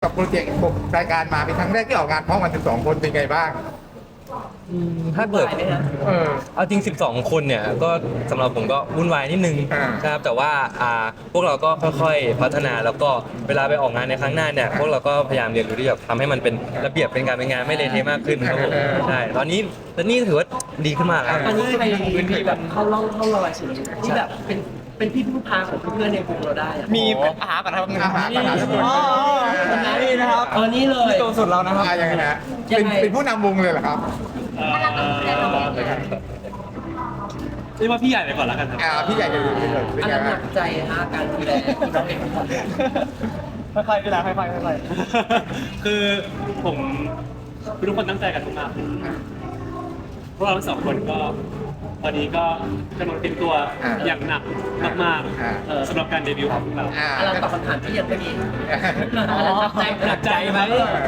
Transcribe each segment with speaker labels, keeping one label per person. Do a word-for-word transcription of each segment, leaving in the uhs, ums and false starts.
Speaker 1: กับโปรเจกต์ผมรายการมาเป็นครั้งแรกที่ออกงานพร้อมกันสิบสองคนเป็นไงบ้าง
Speaker 2: ถ้าเกิด
Speaker 1: เออ
Speaker 2: เอาจริง สิบสอง คนเนี่ยก็สำหรับผมก็วุ่นวายนิดนึง
Speaker 1: อ่า
Speaker 2: นะครับแต่ว่าอ่าพวกเราก็ค่อยๆพัฒนาแล้วก็เวลาไปออกงานในครั้งหน้าเนี่ยพวกเราก็พยายามเรียนรู้ที่จะทำให้มันเป็นระเบียบเป็นการเป็นงานไม่เละเทะมากขึ้นครับผมใช่ตอนนี้ตอนนี้ถือว่าดีขึ้นมากครับ
Speaker 3: ตอนนี้ใครมีแบบเข้าร่องเข้ารอยสุดที่แบบเป็นเป็นพี่พึ่งพาของเพื่อนในกลุ่มเราได้อะ
Speaker 4: มีอาหารก่อนนะครับ
Speaker 1: อาหารอาหาร
Speaker 4: อ๋อนี่นะครับ
Speaker 3: เออนี่เลย
Speaker 4: นี่ตัวสุดเรานะครับ
Speaker 1: อ่ายังไงฮะเป็นเป็นผู้นำวงเลยเหรอครับ
Speaker 5: เรียกว่าพี่ใหญ่ไปก่อนแล้วกันครับ
Speaker 1: อ่าพี่ใหญ่จะเป็นเป็น
Speaker 3: อัน
Speaker 1: ไง
Speaker 3: นั้นห
Speaker 1: บ้า
Speaker 3: นั
Speaker 1: ง
Speaker 3: กใจฮะการดูแลน้องเด็ก
Speaker 4: ค่อยๆเวลาค่อยๆค่อย
Speaker 5: คือผมคือทุกคนตั้งใจกันมากๆพวกเราทั้งสองคนก็ตอนนี้ก็กำลังเตรียมตัวอย่างหนักมากๆเอ่อสำหรับการเดบิวต์ของพวกเรา
Speaker 1: อ่า
Speaker 3: อะไรตอบคำถามที่ยังไม่มี
Speaker 4: อ๋อ
Speaker 3: หนักใจ
Speaker 4: หนักใจไหม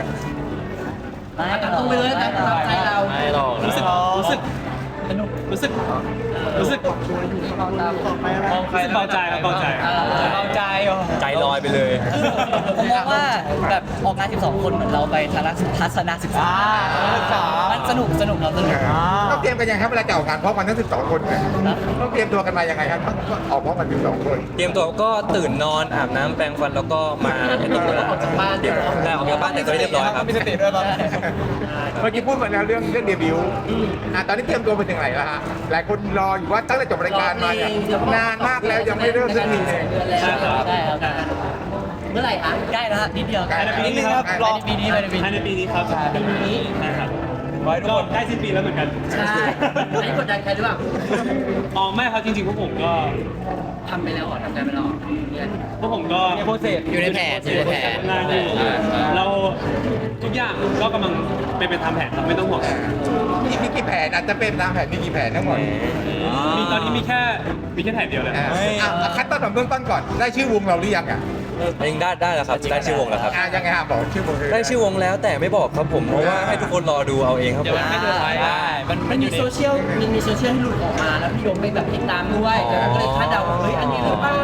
Speaker 3: ตัดตู้ไปเลยตัดใจเรา
Speaker 2: ไม่หรอก
Speaker 5: รู้สึกรู้สึกรู้สึกรู้สึก
Speaker 4: มองใคร
Speaker 5: รู้สึกเบาใจครับเบาใจ
Speaker 4: เบาใจเหรอ
Speaker 2: ใจลอยไปเลย
Speaker 6: ผมมองว่าแบบออกงาน สิบสอง คนเหมือนเราไปทัศนศึกษา
Speaker 4: อ่าศึกษา
Speaker 6: มันสนุกสนุกเราสนุก
Speaker 1: ต้องเตรียมกันยังครับเวลาจะออกงานพร้อมกันทั้งสิบสองคนเนี่ยต้องเตรียมตัวกันมายังไงครับต้องออกพร้อมกันสิบสองคน
Speaker 2: เตรียมตัวก็ตื่นนอนอาบน้ำแปรงฟันแล้วก็มาให้ตรงเวลา
Speaker 3: ออกจากบ้านเรียบร้อย
Speaker 2: ได้ออกจากบ้านแต่งตัวให้เรียบร้อยครับ
Speaker 4: มีสติด้วยตอนนี้
Speaker 1: เมื่อกี้พูดมาแล้วเรื่องเรื่องเดบิวต์อ่าตอนนี้เตรียมตัวไปถึงไหนแล้วฮะหลายคนรออยู่ว่าตั้งแต่จบรายการมาเนี่ยนานมากแล้วยังไม่เริ่มสักทีเลย
Speaker 3: เดือนแล้ว
Speaker 6: ได้ครับ
Speaker 3: เมื่อไหร่คะ
Speaker 6: ใกล้แล้วฮะนิดเดียว
Speaker 1: ใกล้แล้ว
Speaker 4: นิดนึงครับรอ
Speaker 6: ปีนี้ไปในปี
Speaker 5: ภายใน
Speaker 6: นี้
Speaker 5: ปีนี้ครับภายในปีนี้นะครับ
Speaker 4: ไว้ทุก
Speaker 5: ก็
Speaker 4: คน
Speaker 5: ใกล้สิ้นปีแล้วเหมือนกัน
Speaker 3: ใช่อันนี้กดดันใครหรือเปล่า
Speaker 5: อ๋อไม่ครับจริงๆพวกผมก็
Speaker 3: ทำไปแล้วเหรอทำได้ไปแล้วเหรอเนี่ย
Speaker 5: พวกผมก็
Speaker 4: โปรเซส
Speaker 6: อยู่ในแผนอยู่ในแผน
Speaker 5: งานอยู่เราทุกอย่างก็กำลังเป็นไปตามแผนครับไม่ต้องห่วง
Speaker 1: มีมีกี่แผนอาจจะเป็นตามแผนมีกี่แผนทั้งหมด
Speaker 5: มีตอนนี้มีแค่มีแค่แผนเดียวเลย
Speaker 1: อ่าอ่ะคัดต้นของเบื้องต้นก่อนได้ชื่อวงเราหรือยังอ่ะ
Speaker 2: เองได้ได้แล้วครับได้ชื่อวงแล้วครับ
Speaker 1: อ่ายังไงฮะบอกชื่อวงเลย
Speaker 2: ได้ชื่อวงแล้วแต่ไม่บอกครับผมเพราะว่าให้ทุกคนรอดูเอาเองครับผม
Speaker 4: ได้มัน
Speaker 3: มันมีโซเชียลมันมีโซเชียลที่หลุดออกมาแล้วพี่ยงไปแบบติดตามด้วยแล้วก็เลยคาดเดาว่าเฮ้ยอันนี้หรือเปล่า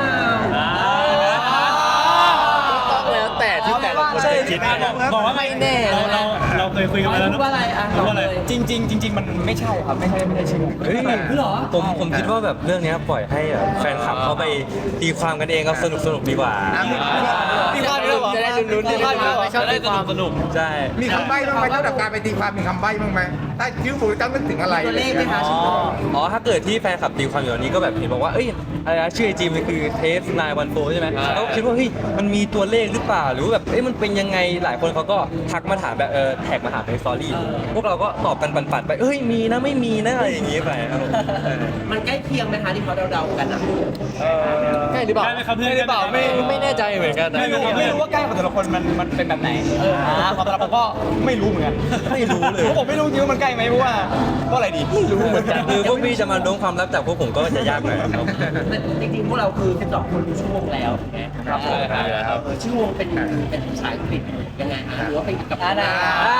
Speaker 2: ต้องแล้วแต่ที่แต่ละคนจะคิด
Speaker 5: บอกว่าไม่แน่เราเราเราเคยคุยกันมาแล้ว
Speaker 3: พูดว่าอะไรอ่ะ
Speaker 5: พูดว่าอะไร
Speaker 3: เลย
Speaker 4: จริงจริงๆจริง ๆ มันไม่ใช่ครับไม่ใช่ไม่ใช่ชื่อ
Speaker 2: เฮ้ย
Speaker 3: เหรอ
Speaker 2: ผมผมคิดว่าแบบเรื่องเนี้ยปล่อยให้แบบแฟนคลับเขาไปตีความกันเองครับสนุกสนุกดีกว่า
Speaker 1: อ่ะมี
Speaker 4: ตีความด้วยเหรอ
Speaker 2: จะได้ลุ้นๆ
Speaker 4: ตีความด้วยเหรอ
Speaker 2: ชอบตีความสนุกใช่
Speaker 1: มีคำใบ้บ้างไหมสำหรับการไปตีความมีคำใบ้บ้างไหมถ้าชื่อวงต้องนึกถึงอะไร
Speaker 3: ตัวเลขไหมคะ
Speaker 2: อ๋ออ๋อถ้าเกิดที่แฟนคลับตีความอยู่ตอนนี้ก็แบบเห็นบอกว่าเอ้ยอะไรนะชื่อไอจีมันคือเทสนายวันโฟใช่ไหมเขาคิดว่าเฮ้ยมันมีตัวเลขหรือเปล่าหรือว่าแบบเอ้ยมันเป็นยังไงหลายคนเขาก็ทักมาถามแบบเออแท็กมาถามในสตอรี่พวกเราก็ตอบกันปันๆไปเอ้ยมีนะไม่มีนะอะไรอย่างงี้ไปครับผมเออ
Speaker 3: มันใกล้เคียงไหมคะที่เขาเดาๆกันอ่ะ
Speaker 2: ใช่หรือเปล่า
Speaker 5: ได้ไหมครับเพื่อน
Speaker 4: หรือเปล่าไม่
Speaker 2: ไม่แน่ใจเหมือนกันนะ
Speaker 4: ไม่รู้ไม่รู้ว่าใกล้กับแต่ละคนมันมันเป็นแบบไหนอ่าของแต่ละผมก็ไม่รู้เหมือนกัน
Speaker 2: ไม่รู้เลย
Speaker 4: ผมไม่รู้จริงว่ามันใกล้ไหมเพราะว่าเพราะอะไรดีไม่รู้เหมือนกัน
Speaker 2: คือพวกพี่จะมาล้วงความลับจากพวกผมก็จะยากหน่อยครับ
Speaker 3: จริงๆพวกเราคือสิบสองคนดูชื่อวงแล้วถูกไหม
Speaker 2: ครับผมครับ
Speaker 3: เออชื่อวงเป็นเป็นภาษาอังกฤษยังไงฮะหรือว่าเป็นกับ
Speaker 6: อ่าได้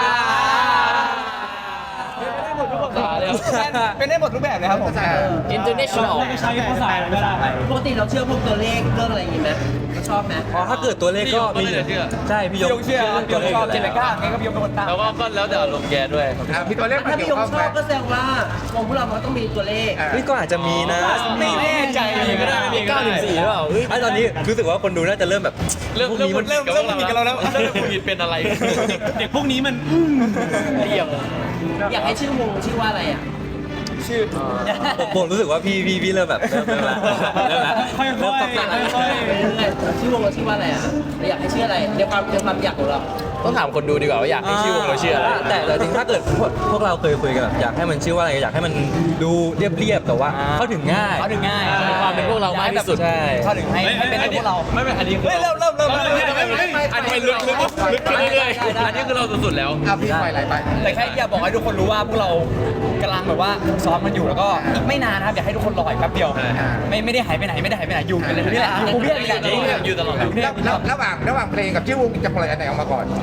Speaker 4: เป็นได้หมดรูปแบบเลยครับผม
Speaker 6: international
Speaker 5: ไม่ใช้ภาษาอะไรก็ได้
Speaker 3: ปกติเราเชื่อพวกตัวเลขเรื่องอะไรอย่างงี้ไหมเราชอบไหม
Speaker 2: อ๋อถ้าเกิดตัวเลขก็มีใช่พี่
Speaker 4: พี่
Speaker 2: ย
Speaker 4: ย
Speaker 2: ง
Speaker 4: งเชื่อพี่ยงชอบเจนก้าไงก็พี่ยงเป็นคนตาม
Speaker 2: แล้วก็ก็แล้วแต่อารมณ์แกด้วย
Speaker 1: อ่ะมีตัวเลขมา
Speaker 3: ถ้าพี่
Speaker 1: เกี่
Speaker 3: ย
Speaker 1: ยว
Speaker 3: ง
Speaker 1: ข้อง
Speaker 3: ช
Speaker 1: ไหม
Speaker 3: อบก็แสดงว่าวงพวกเรามันต้องมีตัวเลข
Speaker 1: อ่ะ
Speaker 2: นี่ก็อาจจะมีนะ
Speaker 4: ไม่แน่ใจก็ได้มี
Speaker 2: เก้าหนึ่งสี่หรือเปล่าไอ้ตอนนี้รู้สึกว่าคนดูน่าจะเริ่มแบบ
Speaker 4: เริ่ม
Speaker 2: พวก
Speaker 4: เริ่ม
Speaker 2: นี้มัน
Speaker 4: เริ่มเริ่มผิดกับเราแล้วเริ่มผิดเป็นอะไร
Speaker 5: เด็กพวกนี้มัน
Speaker 4: เยี่ยม
Speaker 3: อยากให้ชื่อวงชื่อว่าอะไรอ่ะ
Speaker 4: ชื่อ
Speaker 2: ผมผมรู้สึกว่าพี่พี่พี่เริ่มแบบเริ่มเริ่มละเริ่มละ
Speaker 5: ค่อยๆ
Speaker 2: เริ่มสับสน
Speaker 5: ค่อย
Speaker 3: ชื่อวงเราชื่อว่าอะไรอ่ะเราอยากให้ชื่ออะไรในความในความอยากของเรา
Speaker 6: ต้องถามคนดูดีกว่าว่าอยากให้ชื่อวงเราชื่ออะไร
Speaker 2: แต่แต่จริงถ้าเกิดพวกพวกเราเคยคุยกันแบบอยากให้มันชื่อว่าอะไรอยากให้มันดูเรียบๆแต่ว่าเข้าถึงง่าย
Speaker 6: เขาถึงง่ายความเป็นพวกเรามากที่สุด
Speaker 2: ใช่
Speaker 4: เข้าถึงให้ให้เป็นพวกเรา
Speaker 5: ไม่เป็นอันนี้คือ
Speaker 4: เฮ้ยเริ่มเริ่มเริ่มเริ่ม
Speaker 6: อันนี้ลึกลึกลึกขึ้นเรื่อยๆอันนี้คือเราสุดๆแล้ว
Speaker 1: อ่ะพี่ไปไหลไป
Speaker 4: แต่แค่อยากบอกให้ทุกคนรู้ว่าพวกเรากำลังแบบว่าซ้อมกันอยู่แล้วก็อีกไม่นานนะครับอยากให้ทุกคนรออีกแป๊บเดียวไม่ไม่ได้หายไปไหนไม่ได้หายไปไหนอยู่กันเลยนี่แหละอยู่กรุงเทพนี่แหละอยู่ตลอดอยู่กรุงเทพ
Speaker 1: แล้วแล้วระหว่างระหว่างเพลงกับชื่อวงจะปล่อยอันไหนออกมาก่อน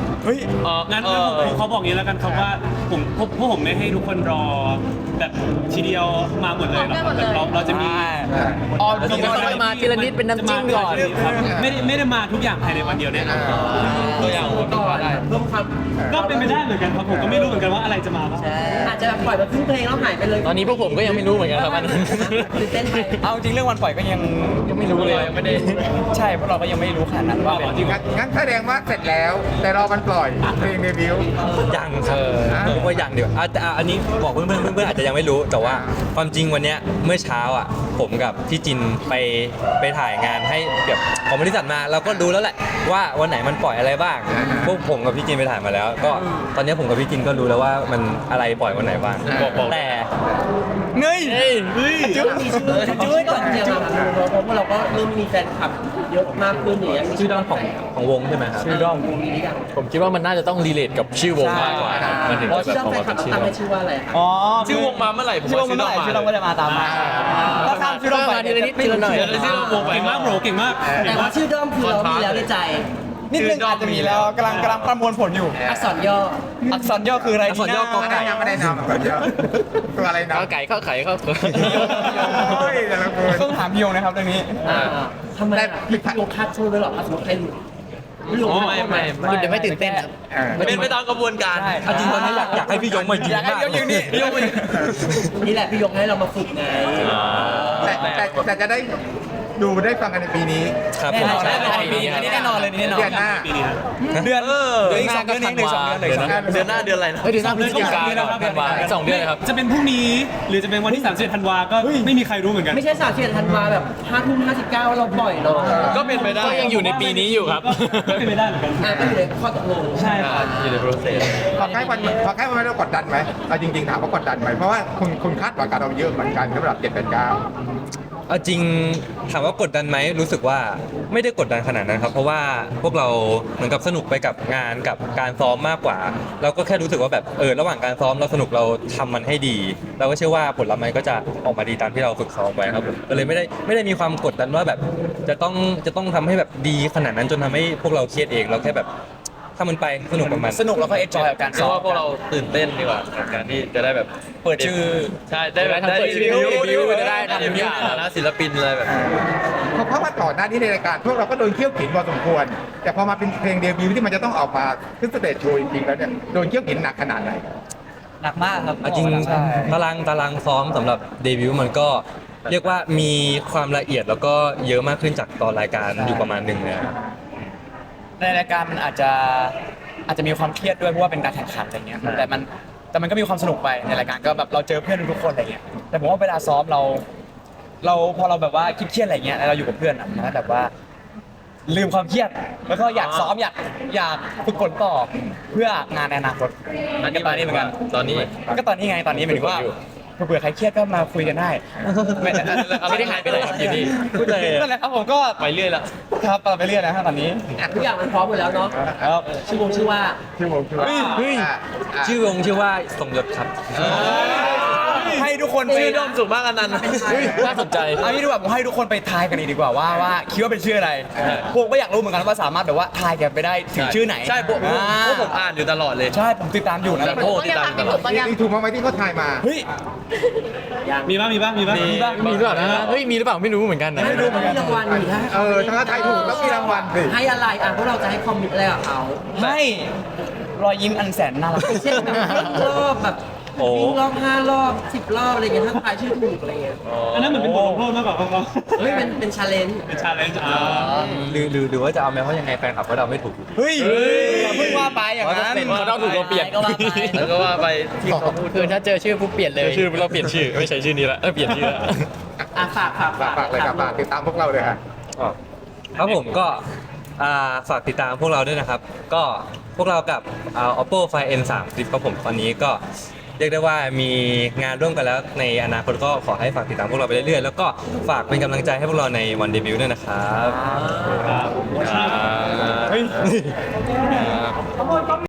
Speaker 4: เฮ้ย
Speaker 5: งั้นงั้นผมผมเขาบอกอย่างนี้แล้วกันครับว่าผมพวกพวกผมไม่ให้ทุกคนรอแบบทีเดียวมาหมดเลยหรอกครับแบบเราเราจะมี
Speaker 4: ออ
Speaker 6: เราจะมาทีละนิดเป็นน้ำจิ้มก่อน
Speaker 5: ครับไม่ได้ไม่ได้มาทุกอย่างภายในวันเดียวแน่นอน
Speaker 6: ตัวอย่างผมก็ได้
Speaker 3: เพิ่มความ
Speaker 5: ก็เป็นไปได้เหมือนกันครับผมก็ไม่รู้เหมือนกันว่าอะไรจะมาบ้าง
Speaker 3: อาจจะแบบปล่อยมาครึ่งเพลงแล้วหายไปเลย
Speaker 6: ตอนนี้พวกผมก็ยังไม่รู้เหมือนกันครับมัน
Speaker 3: ตื่นเต้นไป
Speaker 4: เอาจริงเรื่องวันปล่อยก็ยัง
Speaker 6: ยังไม่รู้เลยยังไม่ได้
Speaker 4: ใช่เพราะเราก็ยังไม่รู้ขนาดนั้นว่าเป็น
Speaker 5: จริง
Speaker 1: งั้นงั้นแสดงว่าเสร็จแล้ว แต่รอมันปล่อยเพลงเดบิวต์
Speaker 2: ยังครับผมว่ายังเดี๋ยวอาจจะอันนี้บอกเพื่อนๆเพื่อนๆอาจจะยังไม่รู้แต่ว่าความจริงวันเนี้ยเมื่อเช้าอ่ะผมกับพี่จินไปไปถ่ายงานให้แบบของบริษัทมาเราก็รู้แล้วแหละว่าวันไหนมันปล่อยอะไรบ้างพวกผมกับพี่จินไปถ่ายมาแล้ว ก็ตอนนี้ผมกับพี่จินก็รู้แล้วว่ามันอะไรปล่อยวันไหนบ้างแต่
Speaker 4: เงย
Speaker 3: จุ๊บมีชื่อจุ๊บก่อนเนี่ยครับเพราะว่าเราก็เริ่มมีแฟนคลับเยอะมากขึ้นอย่างเงี้ย
Speaker 2: ชื่อด้อมของของวงใช่ไหมครับ
Speaker 6: ชื่อด้อม
Speaker 3: มีหรือยัง
Speaker 6: ผมคิดว่ามันน่าจะต้องรีเลทกับชื่อวงมากกว่าครับมันถึง
Speaker 3: อ๋อ
Speaker 6: จะ
Speaker 3: ชื่อ
Speaker 6: แบบ
Speaker 3: ด้อม
Speaker 6: ออก
Speaker 3: แฟ
Speaker 6: มาน เป็นชื่อ
Speaker 3: คลับตั้งให้ชื่อว่าอะไรครับ
Speaker 4: อ๋อ
Speaker 6: ชื่อวงมาเมื่อไหร่ผม
Speaker 4: ชื่อวงเมื่อไหร่ชื่อวงก็จะมาตามมาถ้าข้ามชื่อวงไป
Speaker 6: ทีละนิดทีละหน่อย
Speaker 5: ชื่อวงเก่งมากโบรเก่งมาก
Speaker 3: แต่ว่าชื่อด้อมคือเรามีแล้วในใจ
Speaker 4: นิดนึงอาจจะมีแล้วกำลังกำลังประมวลผลอยู่
Speaker 3: อักษรย่อ
Speaker 4: อักษรย่อคืออะไร
Speaker 2: อักษรย่อ
Speaker 4: ที่
Speaker 2: กอ
Speaker 1: ไม่
Speaker 2: ไก่
Speaker 1: ได้นำไม่ได้นำแบบเยอะตัวอะไรนะ
Speaker 6: ข้าวไก่ข้าวไข่ข้าว
Speaker 1: โอ้ยแต่ละคน
Speaker 4: ต้องถามพี่ยงนะครับเรื่องนี้
Speaker 3: อ่าทำไมอ่ะพี่โยคัดโชว์ด้วยเหรอถ้าสมมติใครหลุดพี่โยคัด
Speaker 6: ไม่ไม่คุณจะไม่ตื่นเต้นครับ
Speaker 1: เออ
Speaker 6: เป็นไปตามกระบวนการ
Speaker 4: ใช่
Speaker 2: เอาจริงตอนนี้อยากอยากให้พี่ยงมายืน
Speaker 4: อยากให้
Speaker 2: มาก
Speaker 4: พี่ยงยืนนี่พี่ยงมายืน
Speaker 3: นี่แหละพี่โยให้เรามาฝึกไง
Speaker 1: แต่แต่แต่จะได้ดูได้ฟังกันในปีนี้
Speaker 2: ครับ
Speaker 4: แน่
Speaker 2: ผม
Speaker 4: นอน
Speaker 2: ใช่
Speaker 4: แน่นอนปีนี้อันนี้แน่นอนเลยนี่แน่นอน
Speaker 1: เดือนหน้า
Speaker 5: ปีนี้นะ
Speaker 4: เดือนเดือนอีกสองเดือนนี้หนึ่งสองเดือนเลยสองเดือน
Speaker 6: เดือนหน้าเดือนอะไรนะเดือนหน้าพฤศจิกายนธันวาสองเดือนเลยครับ
Speaker 5: จะเป็นพรุ่งนี้หรือจะเป็นวันที่สามสิบธันวาก็ไม่มีใครรู้เหมือนกัน
Speaker 3: ไม่ใช่สามสิบเอ็ดธันวาแบบห้าทุ่มห้าสิบเก้าเราปล่อยเนาะ
Speaker 6: ก็เป็นไปได้ก็ยังอยู่ในปีนี้อยู่ครับ
Speaker 5: ก็เป็นไปได้เหมือนกัน
Speaker 3: อ่าก็อยู่ในข้อตกลง
Speaker 5: ใช่ครับ
Speaker 6: อยู่ในโปรเซส
Speaker 1: พอใกล้วันพอใกล้วันเรากดดันไหมเอาจริงๆถามว่ากดดันไหมเพราะว่าคุณคุณคาดหวังกับเราเยอะเหมือนกันสำหรับเจ็ดแปดเก้า
Speaker 2: เอาจริงถามว่ากดดันไหมรู้สึกว่าไม่ได้กดดันขนาดนั้นครับเพราะว่าพวกเราเหมือนกับสนุกไปกับงานกับการซ้อมมากกว่า เราก็แค่รู้สึกว่าแบบเออระหว่างการซ้อมเราสนุกเราทำมันให้ดี เราก็เชื่อว่าผลลัพธ์มันก็จะออกมาดีตามที่เราฝึกซ้อมไว้ครับผมก็เลยไม่ได้ไม่ได้มีความกดดันว่าแบบจะต้องจะต้องทำให้แบบดีขนาดนั้นจนทำให้พวกเราเครียดเองเราแค่แบบถ้ามันไปสนุกกับมัน
Speaker 4: สนุกแล้วก็เอนจอยกับการ
Speaker 6: เพ
Speaker 4: ซ้อ
Speaker 6: ราะ
Speaker 4: ม
Speaker 6: ว่าพวกเราตื่นเต้นดีกว่ากับการที่จะได้แบบ
Speaker 4: เปิดชื่อ
Speaker 6: ใช่ได้แบบได้รีวิวรีวิวจะได้ทำทุกอย่างนะศิลปินอะไรแบบ
Speaker 1: เพราะเพราะว่าก่อนหน้านี้ในรายการพวกเราก็โดนเคี่ยวขินพอสมควร แต่พอมาเป็นเพลงเดบิวต์ที่มันจะต้องออกมาขึ้นสเตจโชว์จริงๆแล้วเนี่ยโดนเคี่ยวขินหนักขนาดไหน
Speaker 4: หนักมากครับ
Speaker 2: เอาจริง
Speaker 4: ใช่
Speaker 2: ตารางตารางซ้อมสำหรับเดบิวต์มันก็เรียกว่ามีความละเอียดแล้วก็เยอะมากขึ้นจากตอนรายการอยู่ประมาณหนึ่งเลยครับ
Speaker 4: ในรายการมันอาจจะอาจจะมีความเครียดด้วยเพราะว่าเป็นการแข่งขันอะไรเงี้ยแต่มันแต่มันก็มีความสนุกไปในรายการก็แบบเราเจอเพื่อนทุกคนอะไรเงี้ยแต่ผมว่าเวลาซ้อมเรา เราพอเราแบบว่าคิดเครียดอะไรเงี้ยแล้วเราอยู่กับเพื่อนอะมันก็แบบว่า ลืมความเครียดแล้วก็อยากซ้อมอยากอยากฝึกฝนต่อเพื่องานในอนาคต
Speaker 6: อันนี้ตอนนี้เหมือนกันตอนนี้
Speaker 4: ก็ตอนนี้ไงตอนนี้หมายถึงว่าเผื่อใครเครียดก็มาคุยกันได้ไม่
Speaker 6: ไม่ได้หายไปไหนครับอยู่นี่
Speaker 4: พูดเลยนั่นแหละครับผมก็
Speaker 6: ไปเรื่อยละ
Speaker 4: ครับไปเรื่อยนะครับตอนนี้
Speaker 3: ทุกอย่างมันพร้อมหมดแล้วเนาะ
Speaker 4: ครับ
Speaker 3: ชื่อวงชื่อว่า
Speaker 1: ชื่อวงชื่อว่า
Speaker 2: เฮ้ย
Speaker 1: อ่ะอ่ะ
Speaker 2: ชื่อวงชื่อว่าสมยศครับ
Speaker 4: ให้ทุกคนไป
Speaker 6: ชื่อด้อมสุขมากอันนั้นน่าสนใจ
Speaker 4: เอางี้ดีกว่าผมให้ทุกคนไปทายกันดีกว่าว่าว่าคิดว่าเป็นชื่ออะไรผมก็อยากรู้เหมือนกันว่าสามารถแบบว่าทายกันไปได้ถึงชื่อไหน
Speaker 6: ใช่พวก
Speaker 4: อ่า
Speaker 6: พวกผมอ่านอยู่ตลอดเลย
Speaker 4: ใช่ผมติดตามอยู่นะ
Speaker 6: โอ้ติดตามตลอด
Speaker 1: นี่ถูกมั้างไหมที่เขาทายมา
Speaker 4: เฮ้ย
Speaker 5: มีบ้างมีบ้างมีบ้าง
Speaker 6: มี
Speaker 5: มีบ้าง
Speaker 6: มีหรือเปล่านะเฮ้ยมีหรือเปล่าไม่รู้เหมือนกันนะ
Speaker 3: ให้ดูมีรางวัลอยู่ถ้า
Speaker 1: เออถ้าทายถูกต้องมีรางวัลสิ
Speaker 3: ให้อะไรอ่ะพวกเราจะให้คอมมิตอะไรกับเขา
Speaker 4: ให้รอยยิ้มอันแสนน่ารัก
Speaker 3: เช่นแบบวิ่งรอบแบบ
Speaker 2: โอ้
Speaker 3: วิ่งรอบห้ารอบสิบรอบอะไรเงี้ยถ้าทายชื่อถูกอะไรเงี้ย
Speaker 5: อันนั้นเหมือนเป็นบทลงโทษมากกว่าครับ
Speaker 3: เฮ้ยเป็นเป็นชาเลนจ์
Speaker 5: เป็นชาเลนจ์อ่า
Speaker 2: หรือหรือหรือว่าจะเอาไหมเพราะยังไงแฟนคลับก็เดาไม่ถูกอยู่ดี
Speaker 4: เฮ้ยอย่าเพิ่งว่าไปอย่างนั้น
Speaker 6: เขาต้องถูกเราเปลี่ยน
Speaker 3: ก็ว่าไป
Speaker 6: แล้วก็ว่าไปที่เขาพูดคือถ้าเจอชื่อปุ๊บเปลี่ยนเลยชื่อเราเปลี่ยนชื่อไม่ใช่ชื่อนี้ละเออเปลี่ยนชื่อละ
Speaker 3: อ่ะฝากฝาก
Speaker 1: ฝากฝากเลยครับฝากติดตามพวกเราเลยฮะ
Speaker 2: ครับผมก็อ่าฝากติดตามพวกเราด้วยนะครับ ก็พวกเรากับอ่า oppo find n สาม Flip ครับผมตอนนี้ก็เรียกได้ว่ามีงานร่วมกันแล้วในอนาคตก็ขอให้ฝากติดตามพวกเราไปเรื่อยๆ แล้วก็ฝากเป็นกำลังใจให้พวกเราในวันเดบิวต์ด้วยนะครับ
Speaker 5: ครับ
Speaker 6: เฮ้ย